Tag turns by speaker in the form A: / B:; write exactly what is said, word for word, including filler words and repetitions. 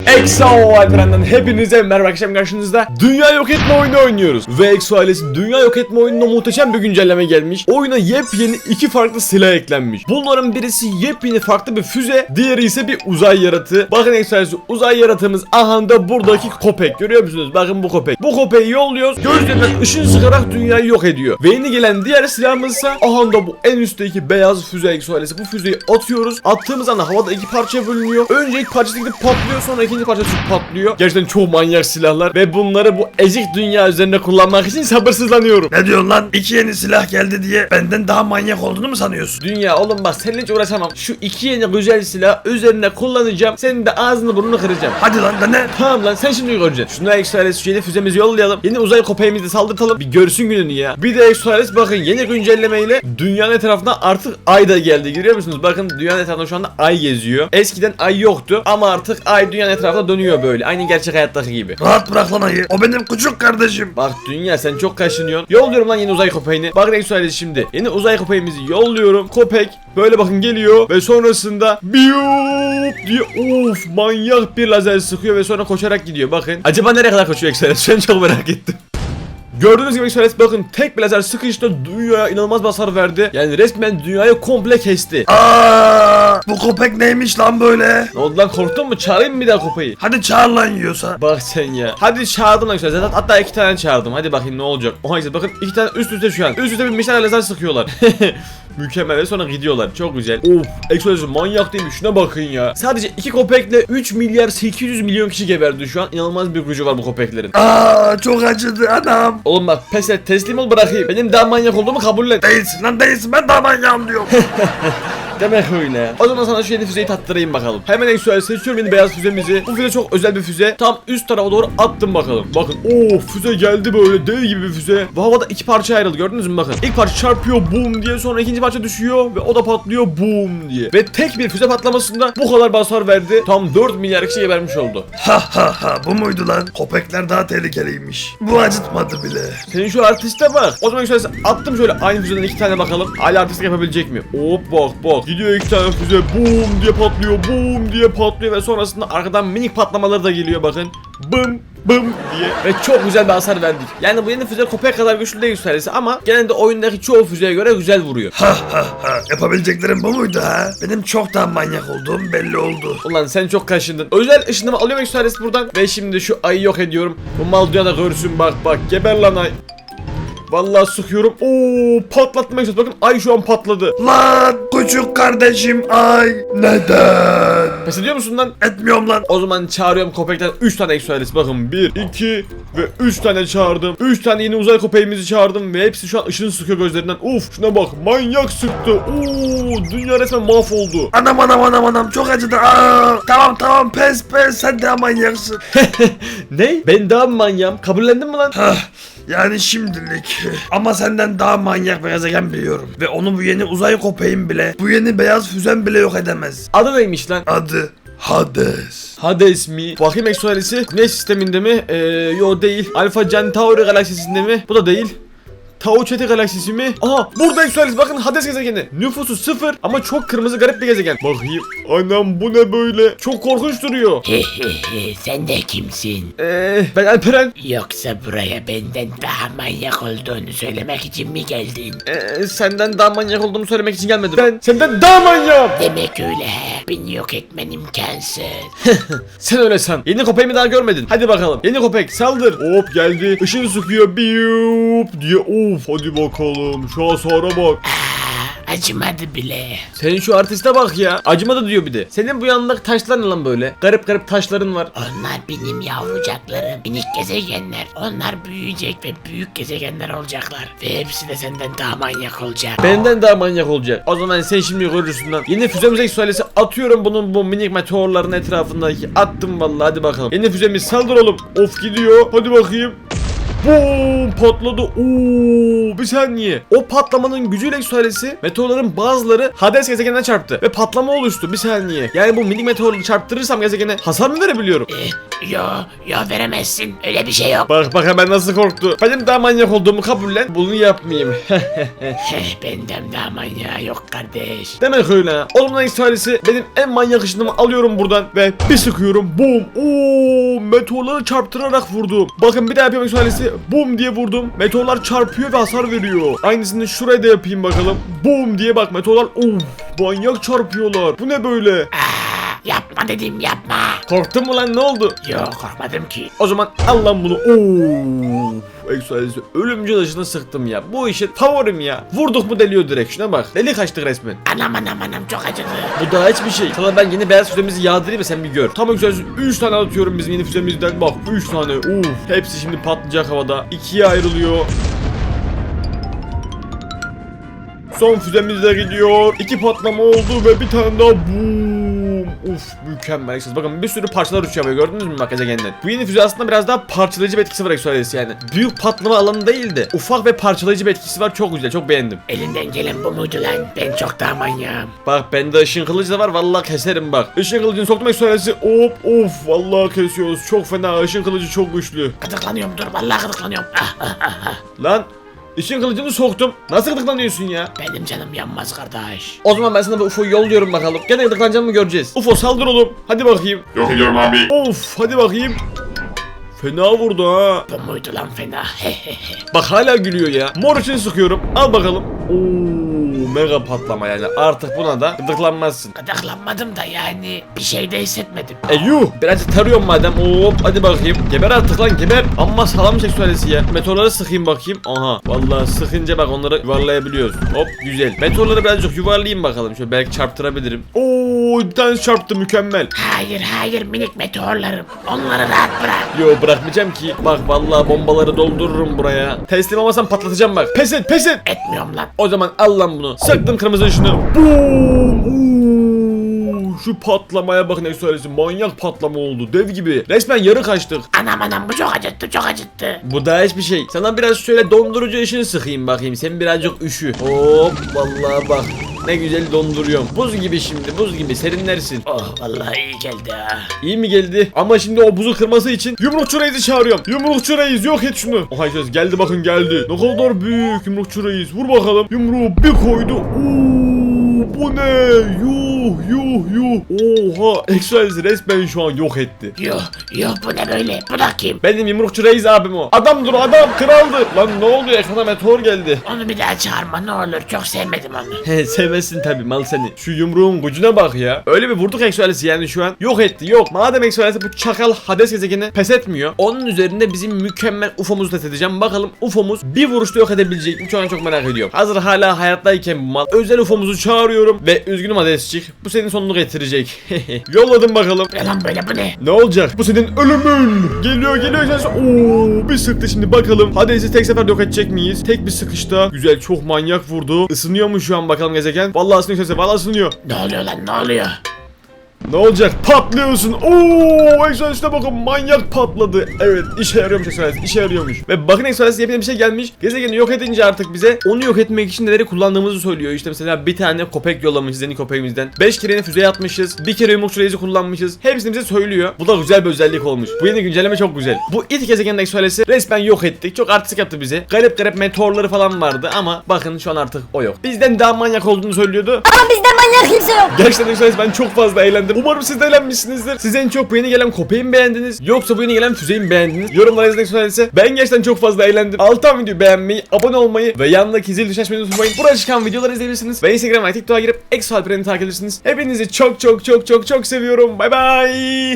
A: Exo Alperen'den hepinize merhaba arkadaşlar, karşınızda dünya yok etme oyunu oynuyoruz. Ve Exo ailesi dünya yok etme oyununa muhteşem bir güncelleme gelmiş. Oyuna yepyeni iki farklı silah eklenmiş. Bunların birisi yepyeni farklı bir füze, diğeri ise bir uzay yaratığı. Bakın Exo ailesi, uzay yaratığımız aha da buradaki köpek, görüyor musunuz? Bakın bu köpek. Bu köpeği yolluyoruz, gözlerinden ışın sıkarak dünyayı yok ediyor. Ve yeni gelen diğer silahımız ise aha da bu en üstteki beyaz füze Exo ailesi. Bu füzeyi atıyoruz. Attığımız anda havada iki parçaya bölünüyor. Önce ilk parçası gidip patlıyor, sonra ikinci parçası patlıyor. Gerçekten çok manyak silahlar ve bunları bu ezik dünya üzerinde kullanmak için sabırsızlanıyorum.
B: Ne diyorsun lan? İki yeni silah geldi diye benden daha manyak olduğunu mu sanıyorsun?
A: Dünya oğlum bak, seninle hiç uğraşamam. Şu iki yeni güzel silah üzerine kullanacağım. Senin de ağzını burnunu kıracağım.
B: Hadi lan da ne?
A: Tamam lan, sen şimdi göreceksin. Şuna Exoales, şu yeni füzemizi yollayalım. Yeni uzay köpeğimizi de saldırtalım. Bir görsün gününü ya. Bir de Exoales bakın, yeni güncellemeyle dünyanın etrafına artık ay da geldi. Görüyor musunuz? Bakın dünyanın etrafında şu anda ay geziyor. Eskiden ay yoktu ama artık ay dünyanın etrafında dönüyor böyle. Aynı gerçek hayattaki gibi.
B: Rahat bırak lan ayı. O benim küçük kardeşim.
A: Bak dünya, sen çok kaşınıyorsun. Yolluyorum lan yeni uzay köpeğini. Bakın Exoales şimdi. Yeni uzay köpeğimizi yolluyorum. Köpek böyle bakın geliyor ve sonrasında biyup diye of manyak bir lazer sıkıyor ve sonra koşarak gidiyor. Bakın. Acaba nereye kadar koşuyor Exoales? Ben çok merak ettim. Gördüğünüz gibi Exoales bakın, tek bir lazer sıkıştı, dünyaya inanılmaz bir hasar verdi. Yani resmen dünyayı komple kesti.
B: Aa, bu köpek neymiş lan böyle?
A: Ne oldu lan, korktun mu? Çağırayım mı bir daha köpeği?
B: Hadi çağır lan yiyorsa.
A: Bak sen ya. Hadi çağırdım Exoales. Hatta iki tane çağırdım. Hadi bakayım ne olacak. Oha işte bakın, iki tane üst üste şu an. Üst üste binmişler, lazer sıkıyorlar. Mükemmel ve sonra gidiyorlar. Çok güzel. Of, Exoales manyak değil mi? Şuna bakın ya. Sadece iki köpekle üç milyar sekiz yüz milyon kişi geberdi şu an. İnanılmaz bir gücü var bu köpeklerin.
B: Aa, çok acıdı anam.
A: Oğlum bak, pes et, teslim ol, bırakayım. Benim daha manyak olduğumu kabul et.
B: Değilsin lan, değilsin, ben daha manyağım diyorum.
A: Demek öyle. O zaman sana şu yeni füzeyi tattırayım bakalım. Hemen Exoales seçiyorum yeni beyaz füzemizi. Bu füze çok özel bir füze. Tam üst tarafa doğru attım bakalım. Bakın ooo, füze geldi böyle dev gibi bir füze. Ve havada iki parça ayrıldı, gördünüz mü bakın. İlk parça çarpıyor boom diye, sonra ikinci parça düşüyor ve o da patlıyor boom diye. Ve tek bir füze patlamasında bu kadar hasar verdi. Tam dört milyar kişi gebermiş oldu.
B: Ha ha ha, bu muydu lan? Köpekler daha tehlikeliymiş. Bu acıtmadı bile.
A: Senin şu artiste bak. O zaman Exoales attım şöyle aynı füzeden iki tane bakalım. Hala artistlik yapabilecek mi? Hop bak bak. Gidiyor iki tane füze boom diye patlıyor, boom diye patlıyor ve sonrasında arkadan minik patlamaları da geliyor bakın. Bım bım diye. Ve çok güzel bir hasar verdik. Yani bu yeni füze köpek kadar güçlü değil Exoales ama genelde oyundaki çoğu füzeye göre güzel vuruyor.
B: Ha ha ha, yapabileceklerim bu muydu ha? Benim çok daha manyak olduğum belli oldu.
A: Ulan sen çok kaşındın. Özel ışınımı alıyorum Exoales buradan ve şimdi şu ayı yok ediyorum. Bu mal dünyada görsün, bak bak, geber lan ay. Vallahi sıkıyorum. Oo, patlatmak istiyorum. Bakın ay şu an patladı.
B: Lan küçük kardeşim ay. Neden?
A: Pes ediyor musun lan?
B: Etmiyorum lan.
A: O zaman çağırıyorum köpekten üç tane Exoales. Bakın bir, iki ve üç tane çağırdım. üç tane yeni uzay köpeğimizi çağırdım ve hepsi şu an ışın sıkıyor gözlerinden. Uf, şuna bak, manyak sıktı. Oo, dünya resmen mahvoldu.
B: Anam anam anam anam, çok acıdı. Aa, tamam tamam, pes pes, sen de manyaksın.
A: Ne? Ben daha mı manyağım? Kabullendin mi lan?
B: Hah, yani şimdilik. Ama senden daha manyak bir gezegen biliyorum. Ve onu bu yeni uzay köpeğim bile, bu yeni beyaz füzen bile yok edemez.
A: Adı neymiş lan?
B: Adı Hades.
A: Hades mi? Bakayım Exoales'i. Güneş sisteminde mi? Ee, yo değil. Alpha Centauri galaksisinde mi? Bu da değil. Tau Ceti galaksisi mi? Aha, burada Exoales, bakın Hades gezegeni. Nüfusu sıfır ama çok kırmızı garip bir gezegen. Bakayım. Anam bu ne böyle? Çok korkunç duruyor.
C: Hehehe, sen de kimsin?
A: Eee ben Alperen.
C: Yoksa buraya benden daha manyak olduğunu söylemek için mi geldin?
A: Eee senden daha manyak olduğumu söylemek için gelmedim. Ben senden daha manyağım.
C: Demek öyle he. Beni yok etmen imkansız.
A: Sen öyle san. Yeni köpeğimi daha görmedin. Hadi bakalım. Yeni köpek saldır. Hop geldi. Işın sıkıyor. Biyup diye. Of hadi bakalım. Şu hasara bak.
C: Aa, acımadı bile.
A: Senin şu artiste bak ya. Acımadı diyor bir de. Senin bu yanındaki taşlar ne lan böyle? Garip garip taşların var.
C: Onlar benim yavrucaklarım. Minik gezegenler. Onlar büyüyecek ve büyük gezegenler olacaklar. Ve hepsi de senden daha manyak olacak.
A: Benden daha manyak olacak. O zaman sen şimdi görürsün lan. Yeni füzemize Exoales'i atıyorum, bunun bu minik meteorların etrafındaki. Attım vallahi, hadi bakalım. Yeni füzemiz saldır oğlum. Of gidiyor. Hadi bakayım. Boom, patladı. Oo, bir saniye. O patlamanın gücüyle Exoales'i meteorların bazıları Hades gezegeninden çarptı ve patlama oluştu. Bir saniye. Yani bu minik meteorları çarptırırsam gezegene hasar mı verebiliyorum?
C: Eh, Yo yo veremezsin. Öyle bir şey yok.
A: Bak bak hemen nasıl korktu. Benim daha manyak olduğumu kabullen. Bunu yapmayayım.
C: Heh, benden daha manyağı yok kardeş.
A: Demek öyle ha. Olumlu ekstralisi benim en manyak ışınımı alıyorum buradan ve bir sıkıyorum. Boom. Oo, meteorları çarptırarak vurdum. Bakın bir daha yapıyorum ekstralisi. Boom diye vurdum. Meteorlar çarpıyor ve hasar veriyor. Aynısını şuraya da yapayım bakalım. Boom diye bak meteorlar. Of, manyak çarpıyorlar. Bu ne böyle?
C: Aa, yapma dedim yapma.
A: Korktun mu lan, ne oldu?
C: Yok korkmadım ki.
A: O zaman al lan bunu. Oo. Ekstralisi ölümcül ışını sıktım ya. Bu işin favorim ya. Vurduk mu deliyor direkt. Şuna bak. Deli kaçtık resmen.
C: Anam anam anam çok acıdı.
A: Bu daha hiçbir şey. Sana ben yeni beyaz füzemizi yağdırayım mı, sen bir gör. Tamam güzel. üç tane atıyorum bizim yeni füzemizden. Bak üç tane. Uf. Hepsi şimdi patlayacak havada. ikiye ayrılıyor. Son füzemiz de gidiyor. İki patlama oldu ve bir tane daha boom. Uf mükemmel. Bakın bir sürü parçalar uçuyor böyle, gördünüz mü bak gezegenden. Bu yeni füze aslında biraz daha parçalayıcı bir etkisi var eksualesi yani. Büyük patlama alanı değil de ufak ve parçalayıcı bir etkisi var, çok güzel, çok beğendim.
C: Elinden gelen bu muydu lan? Ben çok daha manyağım.
A: Bak bende ışın kılıcı da var, vallahi keserim bak. Işın kılıcını soktum eksualesi. Hop of vallahi kesiyoruz. Çok fena, ışın kılıcı çok güçlü.
C: Gıdıklanıyorum dur vallahi gıdıklanıyorum. Ah, ah, ah, ah.
A: Lan ışın kılıcını soktum. Nasıl gıdıklanıyorsun ya?
C: Benim canım yanmaz kardeş.
A: O zaman ben sana bu U F O'yu yolluyorum bakalım. Gene gıdıklanacağını mı göreceğiz? U F O saldır oğlum. Hadi bakayım.
D: Yok ediyorum abi.
A: Of hadi bakayım. Fena vurdu ha.
C: Bu muydu lan fena?
A: Bak hala gülüyor ya. Mor için sıkıyorum. Al bakalım. Oo, mega patlama yani. Artık buna da gıdıklanmazsın.
C: Gıdıklanmadım da yani bir şey de hissetmedim.
A: E yuh. Birazcık tarıyorum madem. Hop hadi bakayım. Geber artık lan geber. Amma salam seksüelisi ya. Meteorları sıkayım bakayım. Aha. Vallahi sıkınca bak onları yuvarlayabiliyoruz. Hop güzel. Meteorları birazcık yuvarlayayım bakalım. Şöyle belki çarptırabilirim. Oo bir tane çarptı, mükemmel.
C: Hayır hayır minik meteorlarım. Onları rahat bırak.
A: Yo bırakmayacağım ki. Bak vallahi bombaları doldururum buraya. Teslim olmasam patlatacağım bak. Pes et pes et.
C: Etmiyorum lan.
A: O zaman al lan bunu. Sıktım kırmızı ışını. Boom. Oo, şu patlamaya bakın eksualesi. Manyak patlama oldu. Dev gibi. Resmen yarı kaçtık.
C: Anam anam bu çok acıttı çok acıttı.
A: Bu da hiçbir şey. Sana biraz şöyle dondurucu ışını sıkayım bakayım. Sen birazcık üşü. Hop vallahi bak. Ne güzel donduruyorum. Buz gibi şimdi, buz gibi serinlersin.
C: Oh vallahi iyi geldi ha.
A: İyi mi geldi? Ama şimdi o buzu kırması için yumrukçu reisi çağırıyorum. Yumrukçu reis yok et şunu. Oha söz geldi bakın geldi. Ne kadar büyük yumrukçu reis. Vur bakalım. Yumruğu bir koydu. Oo, bu ne? Yuh yuh yuh. Oha Exoales resmen şu an yok etti.
C: Yuh yuh bu ne böyle? Bu da kim?
A: Benim yumrukçu reis abim o. Adamdır o adam, kraldı. Lan ne oldu, ekrana meteor geldi.
C: Onu bir daha çağırma ne olur çok sevmedim onu.
A: He sevmezsin tabi mal seni. Şu yumruğun gücüne bak ya. Öyle bir vurduk Exoales'i yani şu an. Yok etti yok. Madem Exoales'i bu çakal Hades gezegeni pes etmiyor. Onun üzerinde bizim mükemmel U F O'muzu test edeceğim. Bakalım U F O'muz bir vuruşta yok edebilecek mi? Şu an çok merak ediyorum. Hazır hala hayattayken bu mal. Özel U F O'muzu çağırıyorum. Ve üzgünüm Hades'cik. Bu senin sonunu getirecek. Yolladım bakalım.
C: Ne lan böyle bu ne?
A: Ne olacak? Bu senin ölümün. Geliyor geliyor. Oo, bir sıktı şimdi bakalım. Hades'i tek sefer yok edecek miyiz? Tek bir sıkışta. Güzel, çok manyak vurdu. Isınıyor mu şu an bakalım gezegen? Vallahi ısınıyor sesi. Vallahi ısınıyor.
C: Ne oluyor lan ne oluyor?
A: Ne olacak? Patlıyorsun. Oo, Exoales'e bakın manyak patladı. Evet, işe yarıyormuş Exoales. İşe yarıyormuş. Ve bakın Exoales yepyeni bir şey gelmiş. Gezegeni yok edince artık bize onu yok etmek için neleri kullandığımızı söylüyor. İşte mesela bir tane köpek yollamışız yeni köpeğimizden. beş kere yeni füze atmışız. Bir kere yumrukçu reisi kullanmışız. Hepsini bize söylüyor. Bu da güzel bir özellik olmuş. Bu yeni güncelleme çok güzel. Bu ilk gezegenin Exoales'i resmen yok ettik. Çok artistik yaptı bize. Garip garip meteorları falan vardı ama bakın şu an artık o yok. Bizden daha manyak olduğunu söylüyordu.
E: Ama bizde manyak kimse yok.
A: Gerçekten Exoales ben çok fazla eğlendim. Umarım siz de eğlenmişsinizdir. Siz en çok bu yeni gelen köpeği mi beğendiniz? Yoksa bu yeni gelen füzeyi mi beğendiniz? Yorumlara yazın Exoales'e. Ben gerçekten çok fazla eğlendim. Alttan videoyu beğenmeyi, abone olmayı ve yanındaki zil düşen açmayı unutmayın. Burada çıkan videoları izleyebilirsiniz. Ve Instagram ve TikTok'a girip Exoalperen'i takip edersiniz. Hepinizi çok çok çok çok çok seviyorum. Bay bay.